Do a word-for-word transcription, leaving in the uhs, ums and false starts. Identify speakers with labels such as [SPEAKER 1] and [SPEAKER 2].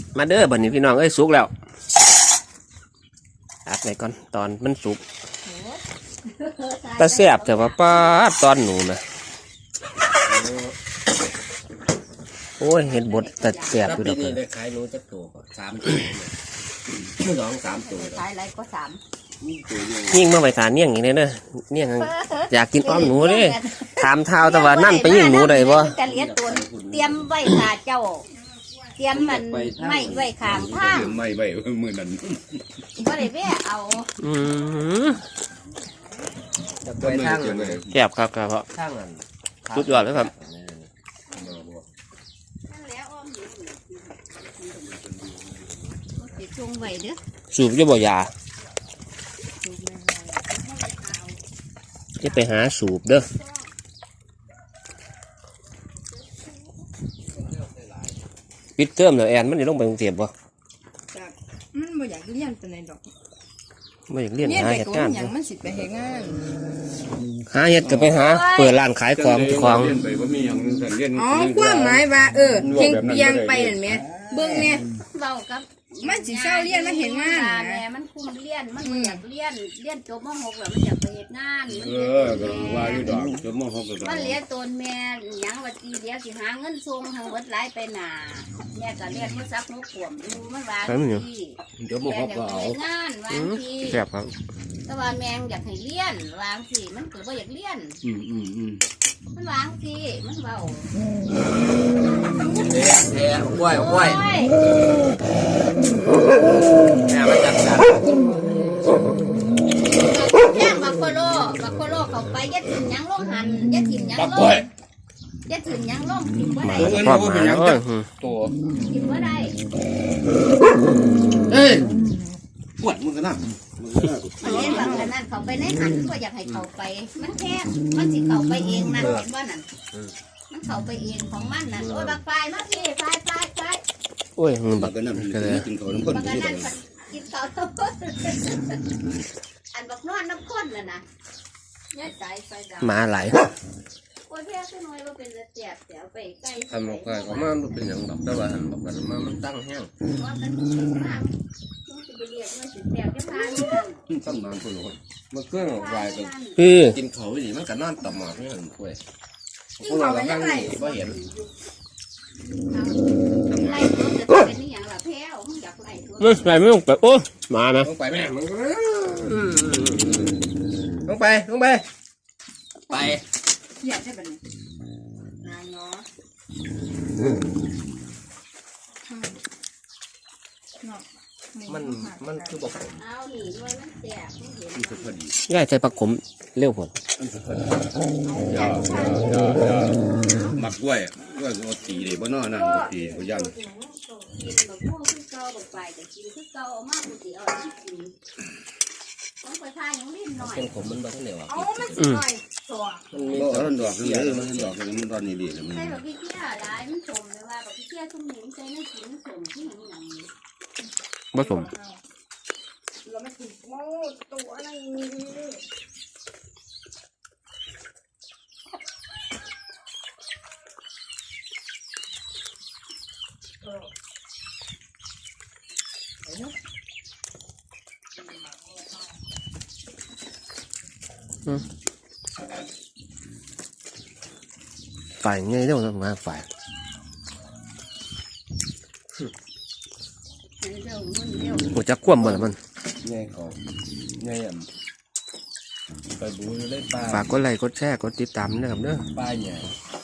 [SPEAKER 1] มาเด้อบัดนี้พี่น้องเอ้ยสุกแล้วอัดไว้ก่อนตอนมันสุกตาแซ่บแต่ว่าป้าตอนหนูนะโอ้ยเห็นบดแต่แซ่บอยู่ดอกเลย
[SPEAKER 2] ขายรู้จักตัวก็สามตัวสองสามตัว
[SPEAKER 3] ขายอะไรก็สาม
[SPEAKER 1] ยิ่งมาไปทานเนี่ยงอย่างนี้เด้อเนี่ยงอยากกินอ้อมหนูเด้ถามเท้าแต่ว่านั่นไปยิ่งหนูได้บ่
[SPEAKER 3] จะเลี้ยงตัวเตรียมไว้ขาเจ้าเตรียมมันไม่ไว้ขางทาง
[SPEAKER 2] ไม่ไว้มือนั้น
[SPEAKER 3] ก็ได้แวะเอา
[SPEAKER 1] อืม
[SPEAKER 2] จะไปทาง
[SPEAKER 1] แซ่บครับครับเพราะ
[SPEAKER 2] ทางนั้น
[SPEAKER 1] สุดยอดเลยครับ
[SPEAKER 3] จงไว้เด้อ
[SPEAKER 1] สูบจะบ่ยาจะไปหาสูบเด้อปิดเทอมแล้วแอนมันจะลงไปกรุงเทพบ่
[SPEAKER 4] มันบ่อยากเรียนตัวไหนดอก
[SPEAKER 1] บ่อยากเรียนหาเหตุงาน
[SPEAKER 4] อย่างมันสิไปเฮ็ดงาน
[SPEAKER 1] หาเหตุก็ไปหาเปิดร้านขายของของ
[SPEAKER 4] อ๋อความหมายว่าเออเพียงเพียงไปนั่นแหมเบิ่งแม่
[SPEAKER 3] เว้ากับ
[SPEAKER 4] มันสิเศร้าเรียนมาเฮ็ดงาน
[SPEAKER 3] แม่มันคุมเรียนมันบ่อยากเรียนเรียนจบม .หก แล้วมันอยากไปเฮ็ดงาน
[SPEAKER 2] เออก็ว่าอยู่ดอกจบม .หก ก็
[SPEAKER 3] มันเลี้ยงตนแม่หยังว่าตีเดี๋ยวสิหาเงินส่งทางเบิดหลายไปหน้าแม่ก็เรียนบ่ซักนกขวมดูมันว่าที่
[SPEAKER 2] จบม .หก ก็เอา
[SPEAKER 3] งานวางที่
[SPEAKER 1] แซ่บครับ
[SPEAKER 3] แต่ว่าแม่อยากให้เรียนวางที่มันก็บ่อยากเรียน
[SPEAKER 2] อืมอืมอืม
[SPEAKER 3] มันวางที่มันเว้า
[SPEAKER 2] แท้อ้วยอ้วยแม่มาจัดการ
[SPEAKER 3] แจ้งบักโคโลบักโคโลเข้าไปยัดถิ่นยังลงหันยัดถิ่นยังลงยัดถิ่นยังลงถิ่นว่าได้
[SPEAKER 1] ชอบหาเอ้ย
[SPEAKER 2] ตัว
[SPEAKER 3] ถิ่นว่าได้
[SPEAKER 2] เอ้ยปวดมึงกันนะ
[SPEAKER 3] มันเล่นแบบนั้นเขาไปในหันก็อยากให้เขาไปมันแค่มันสิเขาไปเองนั่นเห็นว่านั่นมันเขาไปเองของมันนั่นโอ้ยบักไฟมาพี่ไฟไฟไฟ
[SPEAKER 1] โอ้ยมึงบัก
[SPEAKER 2] กันนั่นกินเขาน้ำข้น
[SPEAKER 3] บักนั่นกินเขาน้ำข้นอันบักนอนน้ำข้นน่ะนะย้ายสายไฟดาว
[SPEAKER 1] มาไหล
[SPEAKER 3] โอ้ยแค่ขึ้นน้อยว่าเป็นระเจียบเดี๋ยวไปใกล้
[SPEAKER 2] ทำออกไปก็มันเป็นอย่างแบบแต่ว่าหันบอกกันมามันตั้งแห้ง
[SPEAKER 3] ว่ามันมากมันจะไปเรียกมันสิแสบจะพานี่
[SPEAKER 2] ตั้งนานคนละคนมันเครื่องออกไปกันกินเขาไปดิมันก็นอนต่อมาไม่เห็นคุยพวกเราข้างนี้ไม่เห็น
[SPEAKER 3] ไล่ตัวจะเป็นนี่อย่างละแพ้วมึงอยากไล่ตัว
[SPEAKER 1] ไม่ไปไม่ต้องไปโอ้มาไหม
[SPEAKER 2] ต้องไปแม่มึงต้องไปต้องไปไป
[SPEAKER 4] อยากได้แบบนี้นายเนาะ
[SPEAKER 2] มันมันคือบอก
[SPEAKER 3] เอาหนีด้วยมันแสบไม่เห็น
[SPEAKER 2] มันพอดี
[SPEAKER 1] ง่ายใจปักขมเร็วผล
[SPEAKER 2] ยาวยาวยาวยาวหมักกล้วยกล้วยก็ตีเลยบ่นอนั่นก็ตีก็ย่ำ
[SPEAKER 3] กินแบบพวกที่เก่าแบบไปแต่กินที่เก่ามากกว่าที่เอาที่กินต้องไปทานยังลิ้นหน่อย
[SPEAKER 2] เป็นขมมันบ่ทันเหลวอ่ะ
[SPEAKER 4] อ๋อมันสิหน่อยตัว
[SPEAKER 2] มันมีตอนดอกเลยมันดอกเลยมันตอนนี้ดีเลยมัน
[SPEAKER 3] ใช่แบบพี่เที่ยร้ายมันสมเลยว่าแบบพี่เที่ยทุ่มหินใจไม่กินสมที่หนังหนัง
[SPEAKER 1] ผสม
[SPEAKER 4] เราไม่ถึงโม่ตัวอะไร
[SPEAKER 1] ฝ่ายไงเรื่องงานฝ่ายโอ้จะคว่ำหมดแล้วมัน
[SPEAKER 2] ไงเขาไงอ่ะไปบูเลยปลา
[SPEAKER 1] ฝากกดไลค์กดแชร์กดติดตามนะครับเด้อ
[SPEAKER 2] ปลาเนี่ย